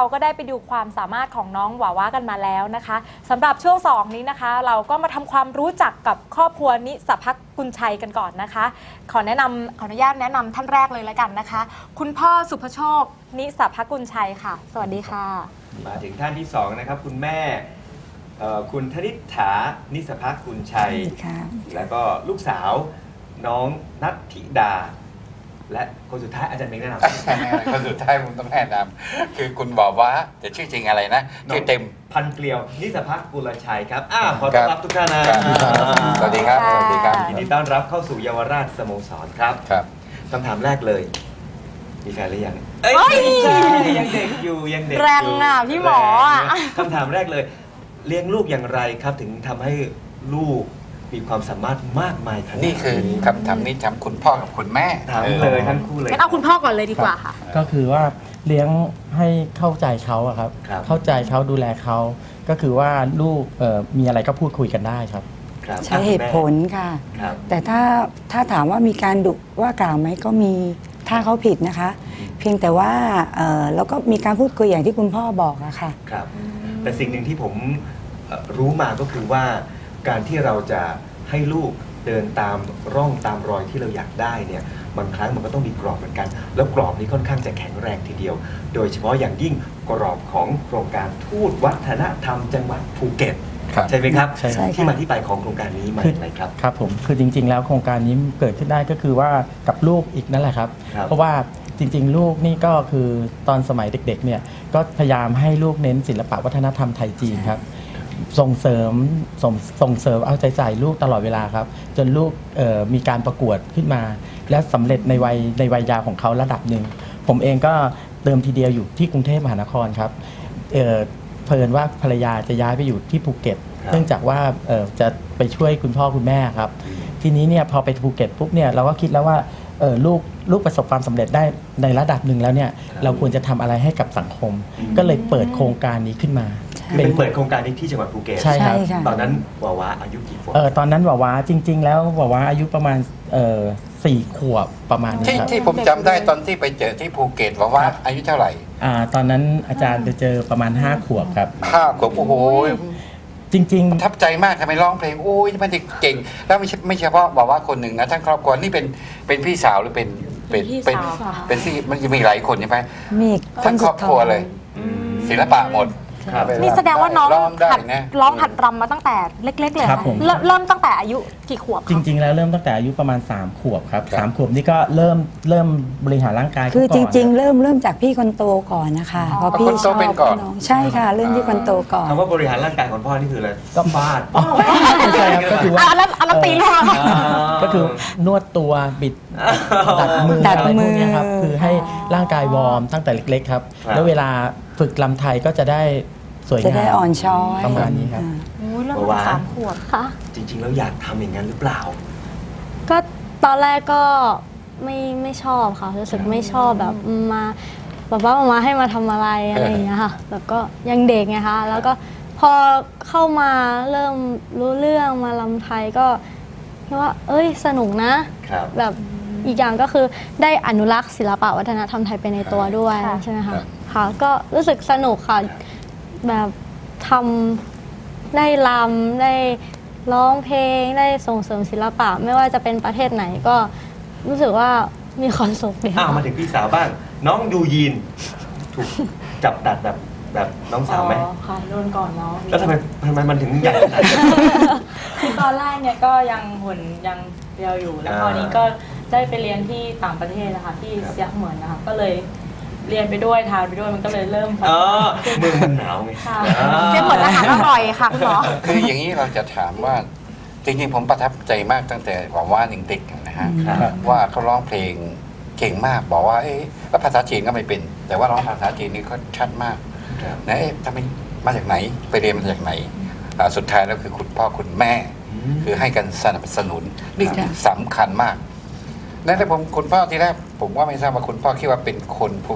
ก็ได้ไปดูความสามารถของน้องหวาวากันมาแล้วนะคะสำหรับช่วง2นี้นะคะเราก็มาทำความรู้จักกับครอบครัวนิสภักกุลชัยกันก่อนนะคะขออนุญาตแนะนำท่านแรกเลยแล้วกันนะคะคุณพ่อสุภโชคนิสภักกุลชัยค่ะสวัสดีค่ะมาถึงท่านที่2นะครับคุณแม่คุณธนิษฐานิสภักกุลชัยแล้วก็ลูกสาวน้องนัทธิดาและคนสุดท้ายอาจารย์เมงแนะนำคนสุดท้ายผมต้องแนะนำคือคุณบอกว่าจะชื่อจริงอะไรนะชื่อเต็มพันเกลียวนิสภักกุลชัยครับขอต้อนรับทุกท่านนะสวัสดีครับสวัสดีครับยินดีต้อนรับเข้าสู่เยาวราชสโมสรครับคำถามแรกเลยมีแฟนหรือยังยังเด็กอยู่ยังเด็กอยู่แรงอ่ะพี่หมอคำถามแรกเลยเลี้ยงลูกอย่างไรครับถึงทำให้ลูกมีความสามารถมากมายขนาดนี้นี่คือคำถามนี้ถามคุณพ่อกับคุณแม่ถามเลยทั้งคู่เลยงั้นเอาคุณพ่อก่อนเลยดีกว่าค่ะก็คือว่าเลี้ยงให้เข้าใจเขาครับเข้าใจเขาดูแลเขาก็คือว่าลูกมีอะไรก็พูดคุยกันได้ครับใช้เหตุผลค่ะแต่ถ้าถามว่ามีการดุว่ากล่าวไหมก็มีถ้าเขาผิดนะคะเพียงแต่ว่าเราก็มีการพูดคุยอย่างที่คุณพ่อบอกอะค่ะครับแต่สิ่งหนึ่งที่ผมรู้มาก็คือว่าการที่เราจะให้ลูกเดินตามร่องตามรอยที่เราอยากได้เนี่ยบางครั้งมันก็ต้องมีกรอบเหมือนกันแล้วกรอบนี้ค่อนข้างจะแข็งแรงทีเดียวโดยเฉพาะอย่างยิ่งกรอบของโครงการทูตวัฒนธรรมจังหวัดภูเก็ตใช่ไหมครับที่มาที่ไปของโครงการนี้มาอย่างไรครับครับผมคือจริงๆแล้วโครงการนี้เกิดขึ้นได้ก็คือว่ากับลูกอีกนั่นแหละครับเพราะว่าจริงๆลูกนี่ก็คือตอนสมัยเด็กๆเนี่ยก็พยายามให้ลูกเน้นศิลปะวัฒนธรรมไทยจีนครับส่งเสริมเอาใจใส่ลูกตลอดเวลาครับจนลูกมีการประกวดขึ้นมาและสำเร็จในวัยยาวของเขาระดับหนึ่งผมเองก็เติมทีเดียวอยู่ที่กรุงเทพมหานครครับเพิ่นว่าภรรยาจะย้ายไปอยู่ที่ภูเก็ตเนื่องจากว่าจะไปช่วยคุณพ่อคุณแม่ครับทีนี้เนี่ยพอไปภูเก็ตปุ๊บเนี่ยเราก็คิดแล้วว่าลูกประสบความสำเร็จได้ในระดับหนึ่งแล้วเนี่ยเราควรจะทำอะไรให้กับสังคมก็เลยเปิดโครงการนี้ขึ้นมาเป็นเปิดโครงการนี้ที่จังหวัดภูเก็ตใช่ครับตอนนั้นวาวาอายุกี่ขวบตอนนั้นวาวาจริงๆแล้ววาวาอายุประมาณ4 ขวบประมาณนี้ครับที่ผมจำได้ตอนที่ไปเจอที่ภูเก็ตวาวาอายุเท่าไหร่ตอนนั้นอาจารย์จะเจอประมาณ5 ขวบครับ 5 ขวบโอ้โหจริงๆประทับใจมากทำไมร้องเพลงโอ้ยมันเก่งแล้วไม่เฉพาะบอกว่าคนหนึ่งนะทั้งครอบครัวนี่เป็นพี่สาวหรือเป็นที่มันจะมีหลายคนใช่ไหมมีทั้งครอบครัวเลยศิลปะหมดนี่แสดงว่าน้องร้องหัดรำมาตั้งแต่เล็กๆเลยเริ่มตั้งแต่อายุกี่ขวบจริงๆแล้วเริ่มตั้งแต่อายุประมาณ3 ขวบครับ3 ขวบนี่ก็เริ่มบริหารร่างกายคือจริงๆเริ่มจากพี่คนโตก่อนนะคะพอพี่ชอบน้องใช่ค่ะเริ่มที่คนโตก่อนคำว่าบริหารร่างกายของพ่อนี่คืออะไรก็ฟาดใช่ก็คือว่าอะไรตีลูกก็คือนวดตัวบิดดัดมือครับคือให้ร่างกายวอร์มตั้งแต่เล็กๆครับแล้วเวลาฝึกลำไทยก็จะได้สวยงามจะได้อ่อนช้อยประมาณนี้ครับเริ่มตั้ง3 ขวบค่ะจริงๆแล้วอยากทำอย่างนั้นหรือเปล่าก็ตอนแรกก็ไม่ชอบค่ะรู้สึกไม่ชอบแบบมามาให้มาทำอะไรอย่างเงี้ยค่ะแบบก็ยังเด็กไงคะแล้วก็พอเข้ามาเริ่มรู้เรื่องมาลำไทยก็คิดว่าสนุกนะแบบอีกอย่างก็คือได้อนุรักษ์ศิลปะวัฒนธรรมไทยไปในตัวด้วยใช่ไหมคะค่ะก็รู้สึกสนุกค่ะแบบทำได้รำได้ร้องเพลงได้ส่งเสริมศิลปะไม่ว่าจะเป็นประเทศไหนก็รู้สึกว่ามีความสุขดีค่ะมาถึงพี่สาวบ้างน้องยูยีนถูกจับดัดแบบน้องสาวไหมค่ะโดนก่อนน้องแล้วทำไมมันถึงใหญ่ขนาดนั้นคือตอนแรกเนี่ยก็ยังหุ่นยังเรียวอยู่แล้วคราวนี้ก็ได้ไปเรียนที่ต่างประเทศนะคะที่เซียเหมือนนะคะก็เลยเรียนไปด้วยทานไปด้วยมันก็เลยเริ่มมือมันหนาวไงเซียเหมือนอาหารอร่อยค่ะคุณหมอคืออย่างนี้เราจะถามว่าจริงๆผมประทับใจมากตั้งแต่ว่าเด็กๆนะฮะว่าเขาร้องเพลงเก่งมากบอกว่าแล้วภาษาจีนก็ไม่เป็นแต่ว่าร้องภาษาจีนนี่เขาชัดมากนะทำไมมาจากไหนไปเรียนมาจากไหนสุดท้ายแล้วคือคุณพ่อคุณแม่คือให้กันสนับสนุนนี่สำคัญมากแล้วผมคุณพ่อที่แรกผมว่าไม่ทราบว่าคุณพ่อคิดว่าเป็นคนภูเก็ต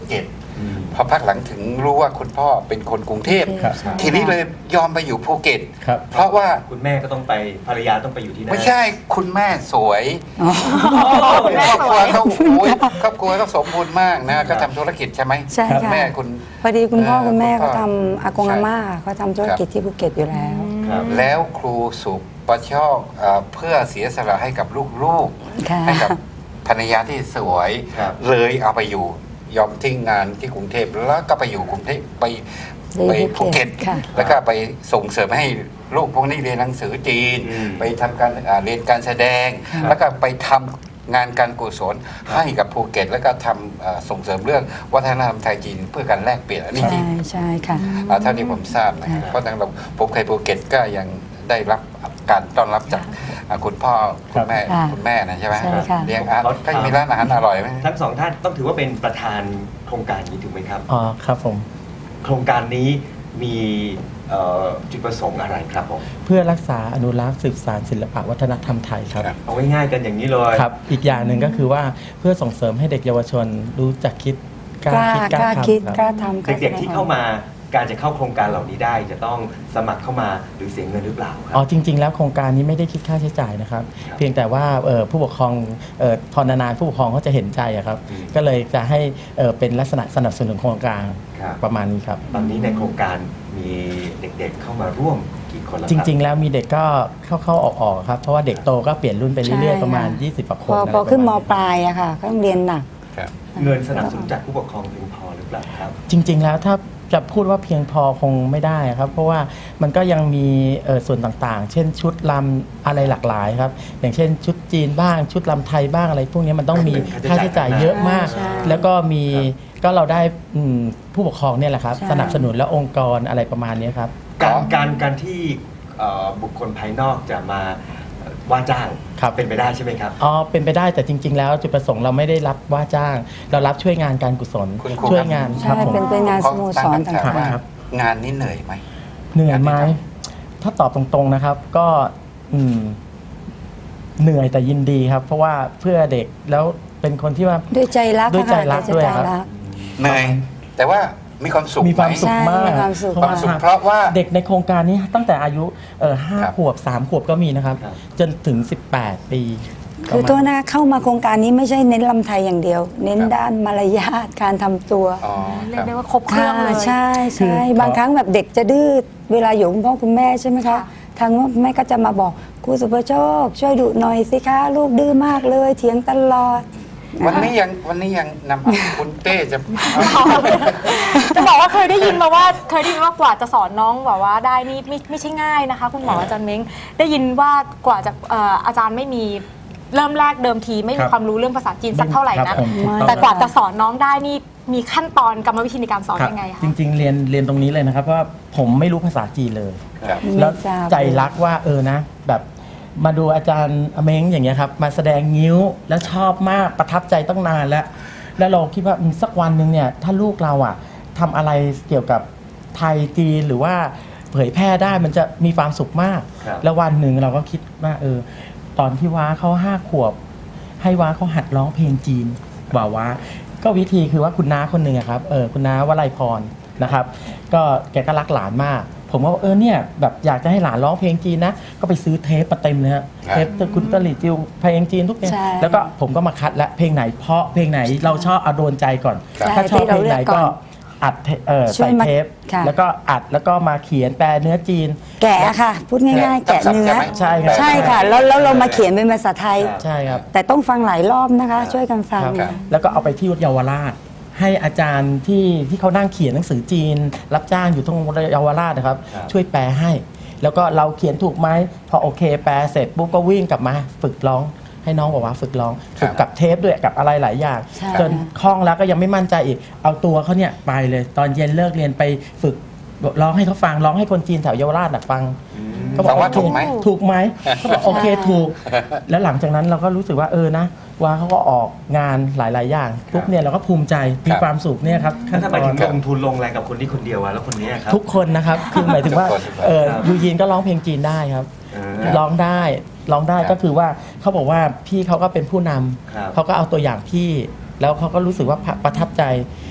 พอพักหลังถึงรู้ว่าคุณพ่อเป็นคนกรุงเทพครับทีนี้เลยยอมไปอยู่ภูเก็ตครับเพราะว่าคุณแม่ก็ต้องไปภรรยาต้องไปอยู่ที่นั่นไม่ใช่คุณแม่สวยอ๋อคุณแม่ครอบสครัววย เขาโอ้ยครอบครัวเขาสมบูรณ์มากนะก็ทำธุรกิจใช่ไหมใช่ค่ะแม่คุณพอดีคุณพ่อคุณแม่คุณพ่เขาอทำอากงอาม่าเขาทำธุรกิจที่ภูเก็ตอยู่แล้วครับแล้วครูสุประชอบเพื่อเสียสละให้กับลูกค่ะๆให้กับภรรยาที่สวยครับเลยเอาไปอยู่ยอมทิ้งงานที่กรุงเทพแล้วก็ไปอยู่กรุงเทพไปไปภูเก็ตค่ะแล้วก็ไปส่งเสริมให้ลูกพวกนี้เรียนหนังสือจีนอืมไปทำการเรียนการแสดง แล้วก็ไปทำงานการกุศลให้กับภูเก็ต แล้วก็ทำส่งเสริมเรื่องวัฒนธรรมไทยจีนเพื่อการแลกเปลี่ยนอันนี้จริใช่งใช่ค่ะเท่าที่ผมทราบนะครับค่ะเพราะทางเราผมเคยภูเก็ตก็ยังได้รับการต้อนรับจากคุณพ่อคุณแม่ค่ะคุณแม่นะใช่ไหมใช่ค่ะเลี้ยงอาหารก็มีร้านอาหารอร่อยไหมทั้งสองท่านต้องถือว่าเป็นประธานโครงการนี้ถูกไหมครับอ๋อครับผมโครงการนี้มีจุดประสงค์อะไรครับผมเพื่อรักษาอนุรักษ์สืบสานศิลปะวัฒนธรรมไทยครับครับเอาง่ายๆกันอย่างนี้เลยครับอีกอย่างหนึ่งก็คือว่าเพื่อส่งเสริมให้เด็กเยาวชนรู้จักคิดกกล้าล้าคิดกกล้าล้าคิดทำกครัล้าบทำกล้าเด็กๆแสดงที่เข้ามาการจะเข้าโครงการเหล่านี้ได้จะต้องสมัครเข้ามาหรือเสียเงินหรือเปล่าครัอ๋อจริง ๆ แล้วโครงการนี้ไม่ได้คิดค่าใช้จ่ายนะครับครับเพียงแต่ว่าผู้ปกครองพอนานๆผู้ปกครองเขาจะเห็นใจอะครับอืมก็เลยจะให้เป็นลักษณะสนับสนุนโครงการครับประมาณนี้ครับตอนนี้ในโครงการมีเด็กๆเข้ามาร่วมกี่คนแล้วจครับริง ๆ แล้วมีเด็กก็เข้าๆออกๆครับเพราะว่าเด็กโตก็เปลี่ยนรุ่นไปเรื่อยใช่ๆประมาณค่ะ 20กว่าคพนออะไรพอขึ้นมประาณปลายอะค่ะก็ต้องเรียนหนักครับเงินสนับสนุนจากผู้ปกครองเพียงพอหรือเปล่าครับจริง ๆ แล้วถ้าจะพูดว่าเพียงพอคงไม่ได้ครับ เพราะว่ามันก็ยังมีส่วนต่างๆ เช่นชุดลำอะไรหลากหลายครับ อย่างเช่นชุดจีนบ้างชุดลำไทยบ้างอะไรพวกนี้มันต้องมีค่าใช้จ่ายเยอะมากใช่แล้วก็มีก็เราได้ผู้ปกครองเนี่ยแหละครับใช่สนับสนุนและองค์กรอะไรประมาณนี้ครับการที่บุคคลภายนอกจะมาว่าจ้างครับเป็นไปได้ใช่ไหมครับอ๋อเป็นไปได้แต่จริง ๆ แล้วจุดประสงค์เราไม่ได้รับว่าจ้าง เรารับช่วยงานการกุศลคุณครูช่วยครับงานคใช่รับผมเป็นงานสโมสรตั้งคำถามว่าครับงานนี้เหนื่อยไหมเหนื่อยไหมงานที่ทถ้าตอบตรงๆนะครับ ก็เหนื่อยแต่ยินดีครับ เพราะว่าเพื่อเด็กแล้วเป็นคนที่ว่าด้วยใจรักด้วยใจรักค่ะด้วยใจครับรักเหนื่อยแต่ว่ามีความสุขมีความสุขใช่มากมีความสุขความสุขเพราะว่าเด็กในโครงการนี้ตั้งแต่อายุห้าครับขวบ3 ขวบก็มีนะครับครับจนถึง 18 ปีคือตัวหน้าเข้ามาโครงการนี้ไม่ใช่เน้นลำไทยอย่างเดียว เน้นครับด้านมารยาทการทำตัวอ๋อเรีคยรักบได้ว่าครบเครื่องเลยใช่คืใช่อบางครั้งแบบเด็กจะดื้อเวลาอยู่คุณพ่อคุณแม่ใช่ไหมคะค่ะทางแม่ก็จะมาบอกครูสุภโชค ช่วยดุหน่อยสิคะลูกดื้อมากเลยเถียงตลอดวันนี้ยังนำคุณเต้จะจะบอกว่าเคยได้ยินมากว่าจะสอนน้องแบบว่าได้นี่ไม่ใช่ง่ายนะคะ คุณหมออาจารย์เม้งได้ยินว่ากว่าจะอาจารย์ไม่มีเริ่มแรกเดิมทีไม่คมีรับความรู้เรื่องภาษาจีนสักเท่าไหร่คนะบผมถูกต้องแต่กว่าครับจะสอนน้องได้นี่มีขั้นตอนกรรมวิธีในการสอนครับยังไงคะจริง ๆ เรียนตรงนี้เลยนะครับเพราะว่าผมไม่รู้ภาษาจีนเลยครับแล้วไม่ทราบใจรักว่านะแบบมาดูอาจารย์เม้งอย่างเงี้ยครับมาแสดงงิ้วแล้วชอบมากประทับใจตั้งนานแล้วเราคิดว่าสักวันหนึ่งเนี่ยถ้าลูกเราอ่ะทำอะไรเกี่ยวกับไทยจีนหรือว่าเผยแพร่ได้มันจะมีความสุขมากครับแล้ววันหนึ่งเราก็คิดว่าตอนที่ว้าเขา5 ขวบ ให้ว้าเขาหัดร้องเพลงจีนว่าก็วิธีคือว่าคุณน้าคนหนึ่งอะครับคุณน้าวลัยพรนะครับ ก็แกก็รักหลานมาก ผมก็เนี่ยแบบอยากจะให้หลานร้องเพลงจีนนะก็ไปซื้อเทปมาเต็มเลยครับครับเทปคุณตลิจิวเพลงจีนทุกเพลงใช่แล้วก็ผมก็มาคัดและเพลงไหนเพราะเพลงไหนเราชอบเอาโดนใจก่อนใช่ถ้าชอบเพลงไหนที่เราเลือกก่ก็อนอัดช่วยใส่มาเทปค่ะแล้วก็อัดแล้วก็มาเขียนแปลเนื้อจีนแกะค่ะ พูดง่ายๆ แกะเนื้อใช่ครับใช่ค่ะ แล้วเรามาเขียนเป็นภาษาไทยใช่ครับแต่ต้องฟังหลายรอบนะคะ ช่วยกันฟังครับแล้วก็เอาไปที่เยาวราช ให้อาจารย์ที่เขานั่งเขียนหนังสือจีน รับจ้างอยู่ตรงเยาวราชนะครับครับช่วยแปลให้ แล้วก็เราเขียนถูกไหมพอโอเคแปลเสร็จปุ๊บก็วิ่งกลับมาฝึกร้องให้น้องบอกว่าฝึกร้องฝึกกับเทปด้วยกับอะไรหลายอย่างใช่จนคล่องแล้วก็ยังไม่มั่นใจอีก เอาตัวเขาเนี่ยไปเลยตอนเย็นเลิกเรียนไปฝึกร้องให้เขาฟังร้องให้คนจีนแถวเยาวราชน่ะฟัง เขาบฟัอกงว่าถูกไหมถูกไหมเขาบอกโอเคถูก แล้วหลังจากนั้นเราก็รู้สึกว่านะว่าเขาก็ออกงานหลาย ๆ อย่างปุ๊บเนี่ยเราก็ภูมิใจมีความสุขเนี่ยครับแล้วทำไมถึงขั้นตลอนงทุนลงแรงกับคนนี้คนเดียวอะแล้วคนนี้ครับทุกคนนะครับ คือหมายถึงว่าทุกคนยูยีนก็ร้องเพลงจีนได้ครับ ร้องได้ก็คือว่าเขาบอกว่าพี่เขาก็เป็นผู้นำครับเขาก็เอาตัวอย่างพี่ แล้วเขาก็รู้สึกว่าประทับใจ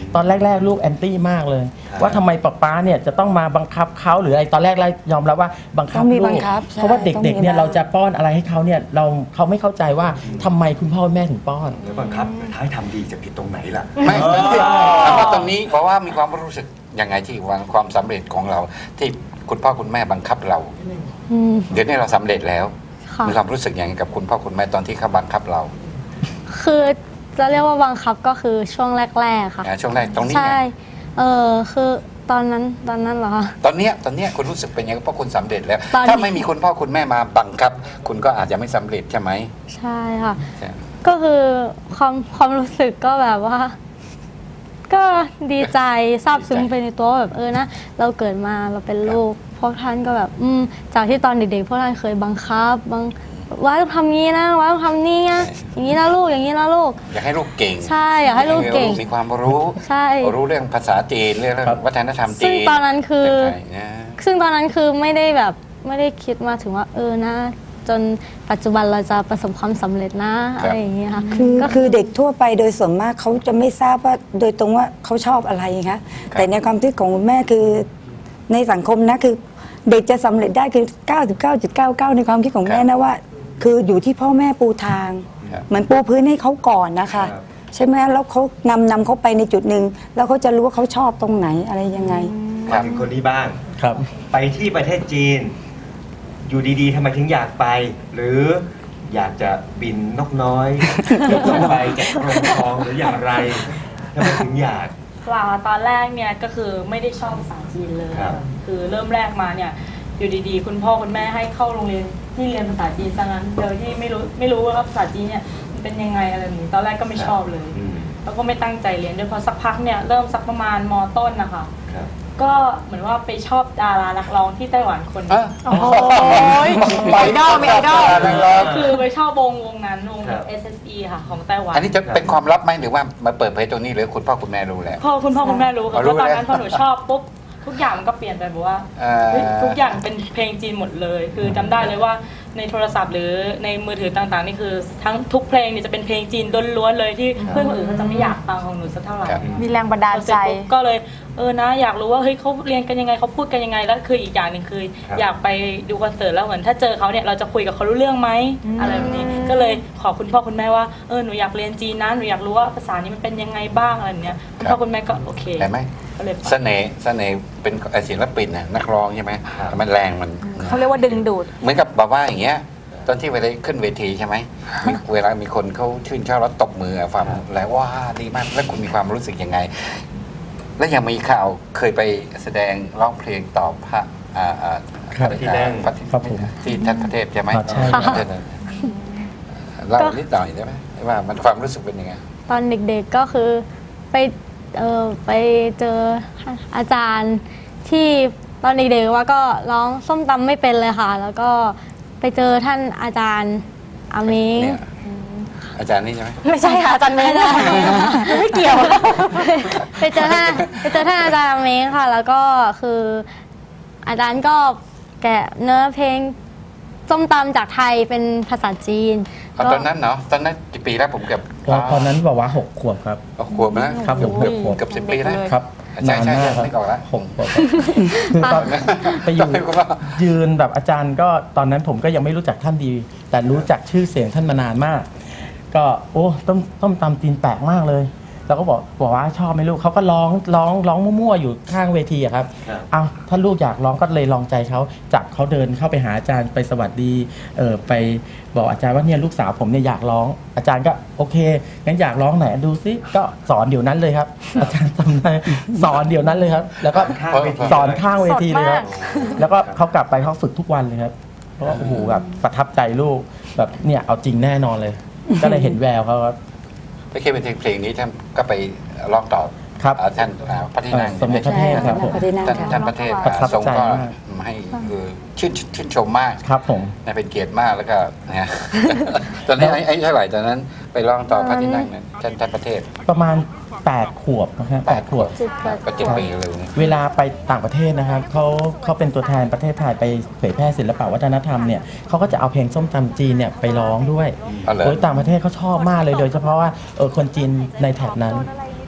ตอนแรกๆลูกแอนตี้มากเลยครับว่าทำไมป๊าเนี่ยจะต้องมาบังคับเขาหรืออะไรตอนแรกยอมรับว่าบังคับต้องมีลูบักงคับใช่เพราะว่าเด็กๆเนี่ยต้องมีเราจะป้อนอะไรให้เขาเนี่ยเขาไม่เข้าใจว่าทำไมคุณพ่อแม่ถึงป้อนแล้วบังคับท้ายทำดีจะผิดตรงไหนล่ะไม่ถามว่าตรงนี้เพราะว่ามีความรู้สึกยังไงที่วางความสำเร็จของเรา ที่คุณพ่อคุณแม่บังคับเราอืมเดี๋ยวนี้เราสำเร็จแล้วค่ะมีความรู้สึกยังไงกับคุณพ่อคุณแม่ตอนที่เขาบังคับเราคือจะเรียกว่าบังคับก็คือช่วงแรกๆค่ะช่วงแรกตรงนี้ใช่ไงคือตอนนั้นเหรอคะตอนเนี้ยคุณรู้สึกเป็นยังไงเพราะคุณสำเร็จแล้วตอนนี้ถ้าไม่มีคุณพ่อคุณแม่มาบังคับ คุณก็อาจจะไม่สำเร็จใช่ไหมใช่ค่ะใช่ก็คือความรู้สึกก็แบบว่า ก็ดีใจซาบซึ้งไปในตัวว่าแบบนะเราเกิดมาเราเป็นลูกพวกท่านก็แบบจากที่ตอนเด็กๆพวกท่านเคยบังคับว่าต้องทำงี้นะว่าต้องทำนี่นะอย่างนี้นะลูกอย่างนี้นะลูกอยากให้ลูกเก่งใช่อยากให้ลูกเก่งมีความรู้ใช่รู้เรื่องภาษาจีนเรื่องครับวัฒนธรรมจีนซึ่งตอนนั้นคือเรื่องไทยนะซึ่งตอนนั้นคือไม่ได้คิดมาถึงว่านะจนปัจจุบันเราจะประสบความสำเร็จนะอะไรอย่างเงี้ยค่ะคือเด็กทั่วไปโดยส่วนมากเขาจะไม่ทราบว่าโดยตรงว่าเขาชอบอะไรคะแต่ในความคิดของคุณแม่คือในสังคมนะคือเด็กจะสำเร็จได้คือ 99.99 ในความคิดของแม่นะว่า คืออยู่ที่พ่อแม่ปูทางครับเหมือนปูพื้นให้เขาก่อนนะคะครับใช่ไหมแล้วเขานำเขาไปในจุดหนึ่งแล้วเขาจะรู้ว่าเขาชอบตรงไหนอะไรยังไงมาถึงคนนี้บ้างครับไปที่ประเทศจีน อยู่ดีๆทำไมถึงอยากไป หรืออยากจะบินนกน้อย ไปแกะกรงทองหรืออย่างไรทำไมถึงอยากเปล่าตอนแรกเนี่ยก็คือไม่ได้ชอบภาษาจีนเลยครับคือเริ่มแรกมาเนี่ยอยู่ดีๆ คุณพ่อคุณแม่ให้เข้าโรงเรียนที่เรียนภาษาจีนซะงั้นโดยที่ไม่รู้ว่าภาษาจีนเนี่ยมันเป็นยังไงอะไรแบบนี้ตอนแรกก็ไม่ชอบเลยอืมแล้วก็ไม่ตั้งใจเรียนด้วยพอสักพักเนี่ยเริ่มสักประมาณม.ต้นนะคะครับก็เหมือนว่าไปชอบดารานักร้องที่ไต้หวันคนหนึงโอ้โหมีไอดอลมีไอดอลคือไปชอบวงนั้นวงครับ SSE ค่ะของไต้หวันอันนี้จะเป็นความลับไหมหรือว่ามาเปิดเผยตรงนี้หรือคุณพ่อคุณแม่รู้แล้วคุณพ่อคุณแม่รู้ค่ะอ๋อรู้เพราะตอนนั้นแล้วพอหนูชอบปุ๊บทุกอย่างมันก็เปลี่ยนไปแบบว่าเฮ้ยทุกอย่างเป็นเพลงจีนหมดเลย คือจำได้เลยว่าในโทรศัพท์หรือในมือถือต่างๆนี่คือทั้งทุกเพลงนี่จะเป็นเพลงจีนล้วนๆเลยที่เพื่อนคนอื่นเขาจะไม่อยากฟังของหนูสักเท่าไหร่ครับมีแรงบันดาลใจพอเสร็จปุ๊บก็เลยนะอยากรู้ว่าเฮ้ยเขาเรียนกันยังไงเขาพูดกันยังไงแล้วคืออีกอย่างหนึ่งคือครับอยากไปดูคอนเสิร์ตแล้วเหมือนถ้าเจอเขาเนี่ยเราจะคุยกับเขารู้เรื่องไหมอะไรแบบนี้ก็เลยขอคุณพ่อคุณแม่ว่าหนูอยากเรียนจีนนะหนูอยากรู้ว่าภาษานี้มันเป็นยังไงบ้างอะไรแบบเนี้ยคุณพ่อคุณแม่ก็โอเคเห็นไหมก็เลยไปเสน่ห์เป็นศิลปินน่ะนักร้องใช่ไหมครับมันแรงมันเขาเรียกว่าดึงดูดเหมือนกับแบบว่าอย่างเงี้ยตอนที่เวลาขึ้นเวทีใช่ไหมเวลามีคนเขาชื่นชอบแล้วตบมืออะฟังแล้วว่าดีมากแล้วคุณมีความรู้สึกยังไง แล้วยังมีข่าวเคยไปแสดงร้องเพลงต่อพระครับพระที่นั่งพระครับผมที่ท่านพระเทพใช่ไหมใช่ครับเล่านิดหน่อยได้ไหมว่ามันความรู้สึกเป็นยังไงตอนเด็กๆก็คือไปเจออาจารย์ที่ตอนเด็กๆว่าก็ร้องส้มตำไม่เป็นเลยค่ะ แล้วก็ไปเจอท่านอาจารย์อาเม้งเนี่ยอาจารย์นี่ใช่ไหมไม่ใช่ค่ะอาจารย์เมย์ไม่เกี่ยวไปเจอท่านอาจารย์อาเม้งค่ะ แล้วก็คืออาจารย์ก็แกะเนื้อเพลงส้มตำจากไทยเป็นภาษาจีนตอนนั้นเนาะตอนนั้นกี่ปีแล้วผมเกือบตอนนั้นบอกว่า6 ขวบครับขวบนะครับผมเกือบขวบเกือบ10 ปีแล้วครับใช่นานใช่มากครับนึกออกแล้ว 6 ขวบครับคือตอนไปอยู่จำได้ว่ายืนแบบอาจารย์ก็ตอนนั้นผมก็ยังไม่รู้จักท่านดี แต่รู้จักชื่อเสียงท่านมานานมาก ก็ต้มตำจีนแปลกมากเลย แล้วก็บอกว่าชอบไหมลูกเขาก็ร้องมั่วๆอยู่ข้างเวทีอะครับครับเอาถ้าลูกอยากร้องก็เลยลองใจเขาจับเขาเดินเข้าไปหาอาจารย์ไปสวัสดีไปบอกอาจารย์ว่าเนี่ยลูกสาวผมเนี่ยอยากร้องอาจารย์ก็โอเคงั้นอยากร้องไหนดูซิก็สอนเดี๋ยวนั้นเลยครับ อาจารย์จำได้สอนเดี๋ยวนั้นเลยครับ แล้วก็ข้างเวทีสอนข้างเวทีเลยครับสดมากแล้วก็เขากลับไปเขาฝึกทุกวันเลยครับเพราะว่าโอ้โหแบบประทับใจลูกแบบเนี่ยเอาจริงแน่นอนเลย ก็เลยเห็นแววเขาครับไม่ใช่เป็นเพลงนี้ท่านก็ไปร้องต่อครับท่านพระที่นั่งสมเด็จพระเทพครับผมพระที่นั่งท่านพระเทพประทับใจทรงก็มากให้คือชื่นชมมากครับผมนะเป็นเกียรติมากแล้วก็นะ ตอนนี้ไอ้เท่าไหร่ตอนนั้นไปร้องต่อพระที่นั่งนั้นท่านพระเทพประมาณ8 ขวบนะฮะ8 ขวบก็7 ปีเร็วนี่เวลาไปต่างประเทศนะครับเขาเป็นตัวแทนประเทศไทยไปเผยแพร่ศิลปวัฒนธรรมเนี่ยเขาก็จะเอาเพลงส้มตำจีนเนี่ยไปร้องด้วยอ๋อเหรอโดยต่างประเทศเขาชอบมากเลยโดยเฉพาะว่าคนจีนในแถบนั้น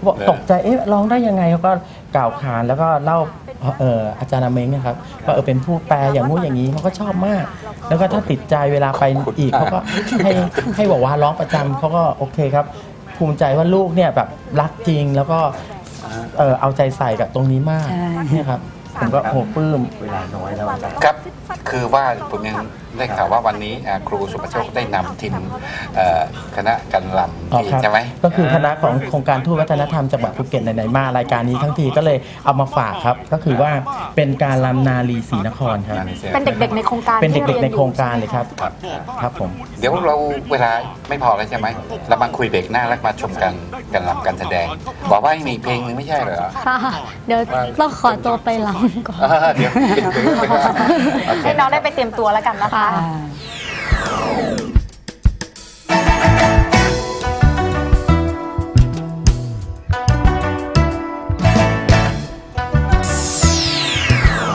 บอกตกใจร้องได้ยังไงเขาก็กล่าวขานแล้วก็เล่าอาจารย์อาเม้งนะครับว่าเป็นผู้แปลอย่างงู้นอย่างนี้เขาก็ชอบมาก แล้วก็ถ้าติดใจเวลาไปอีกเขาก็ให้บอกว่าร้องประจำเขาก็โอเคครับภูมิใจว่าลูกเนี่ยแบบรักจริงแล้วก็เอาใจใส่กับตรงนี้มากเนี่ยครับผมก็โหปลื้มเวลาน้อยแล้วอาจารย์ครับคือว่าผมยังได้ข่าวว่าวันนี้ครูสุภโชคได้นำทีมคณะกันลำที่ใช่ไหมก็คือคณะของโครงการทูตวัฒนธรรมจังหวัดภูเก็ตไหนๆมารายการนี้ทั้งทีก็เลยเอามาฝากครับก็คือว่าเป็นการลำนาลีศรีนครครับเป็นเด็กๆในโครงการเป็นเด็กๆที่ในยโครงการเลยครับครับผมเดี๋ยวเราเวลาไม่พอแล้วใช่ไหมเรามาคุยเบรกหน้าแล้วมาชมกันลำกันแสดงบอกว่ามีเพลงนึงไม่ใช่เหรอค่ะ เดี๋ยวต้องขอตัวไปลำก่อนเดี๋ยวให้น้องได้ไปเตรียมตัวแล้วกันนะคะอ่า